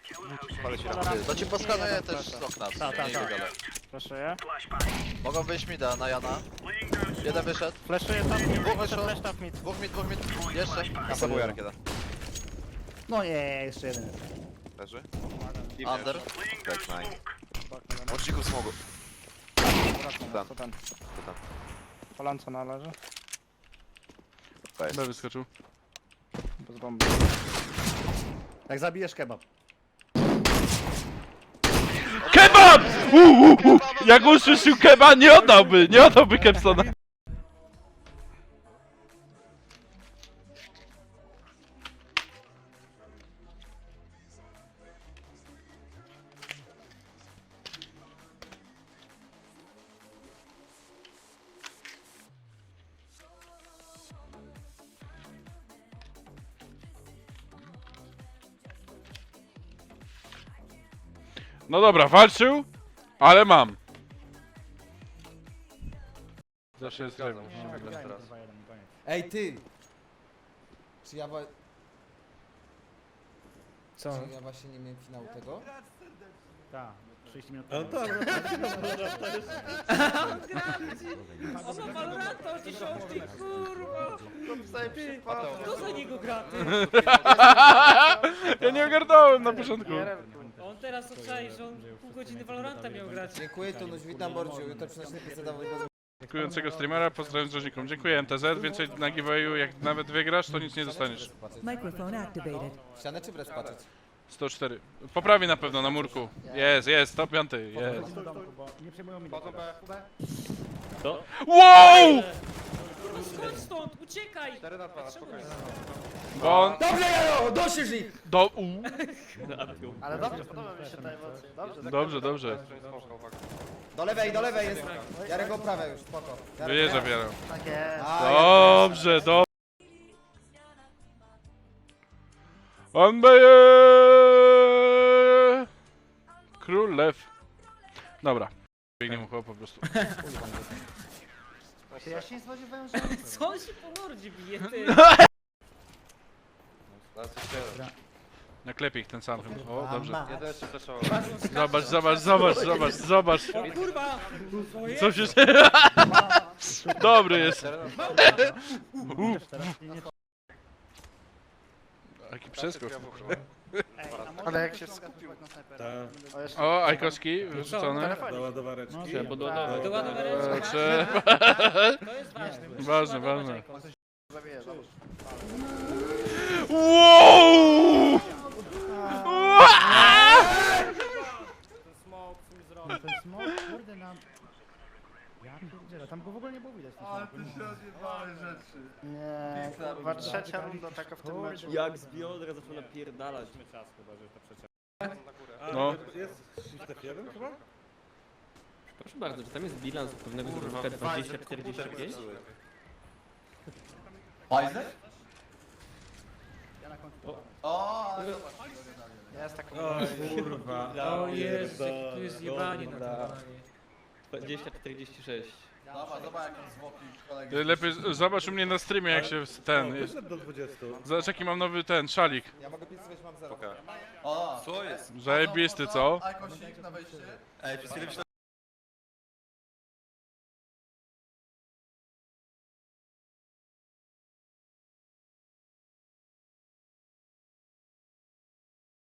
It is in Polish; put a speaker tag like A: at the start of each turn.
A: Palę się
B: To ci poskanuję też z okna.
C: Tak. Flashuję.
B: Mogą wyjść mida na Jana. Jeden wyszedł.
C: Flashuję top mid,
B: Dwóch wyszło.
C: flash top mid.
B: Dwóch mid. Jeszcze.
A: Ja sabuję rakieta.
D: No nie, jeszcze jeden.
A: Leży.
B: Under.
A: Tak, nice. Łączników smogu. Tam.
C: Co ten?
A: To tam.
C: Polanco należy.
A: To jest.
E: B wyskoczył.
C: Bez bomby.
D: Jak zabijesz kebab.
E: KEBAB! Jak usłyszał keba, nie oddałby Kepsona. No dobra, walczył, ale mam. Zawsze jest grem.
F: Ej ty! Czy ja,
D: Co?
F: czy ja właśnie nie miałem finału tego?
D: Tak, 30 minut.
G: No tak,
H: O, ma Valoranta o 10, kurwa! Kto za niego gra, ty?
E: Ja nie ogarnąłem na początku.
H: On teraz obczai, że on pół godziny Valoranta miał grać.
F: Dziękuję, to noś, witam Bordziu, jutro przynoszę PC do wojewody.
E: Dziękującego streamera, pozdrawiam z Rzeźnikom. Dziękuję MTZ, więcej na giveawayu, jak nawet wygrasz, to nic nie dostaniesz.
I: Microphone activated.
F: Ścianę czy brać patrzeć?
E: 104. Poprawi na pewno na murku. Jest, top 5, jest.
D: Nie przejmują mi
E: Wow!
H: No skąd stąd? Uciekaj!
E: Bo on...
F: Dobrze, Jaro! Dosięż ich!
C: Ale dobrze, podoba mi się ta emocja.
E: Dobrze.
F: Do lewej jest. Jarek go prawe już, spoko. Jarek,
E: Wyjeżdża
F: Jarek.
E: wiarą.
C: Tak jest.
F: A,
E: Dobrze. On beje! Król lew. Dobra. Biegnie mu chyba po prostu.
C: Ja się nie spodziewałem, że...
H: Co on się po mordzie bije, ty?
E: Naklepię ich ten sam chyba. O, dobrze.
A: Jeden się flashował.
E: Zobacz.
H: O kurwa!
E: Co się... Dobry jest. Jaki przeskok.
C: Ale jak się skupił.
G: tak.
E: O, Ajkowski wyrzucony.
G: Do ładowareczki.
H: Do ładowareczki.
E: Trzeba.
H: To jest ważne.
E: Ważne.
C: Zabiję, zobacz.
E: Wow!
D: Ten smok, kurde nam... Ja pierdzielę, tam go w ogóle nie było widać. Ale ty się odjebałeś rzeczy.
C: Nie, kurwa, trzecia runda taka w tym meczu.
J: Jak z biodra zaczął napierdalać.
E: No.
G: Jest Stef 1 chyba?
J: Proszę bardzo, czy tam jest bilans pewnego zawodnika 20-45?
C: Jest taka...
G: O kurwa.
H: O Jezu, tu jest jebanie na to.
J: 20-46.
E: Lepiej zobacz u mnie na streamie jak się ten...
G: Wyszedł do 20.
E: Zobacz jaki mam nowy ten szalik.
F: Ja mogę pisać, mam 0.
A: Co jest?
E: Zajebisty, co?
A: Ej, przez chwilę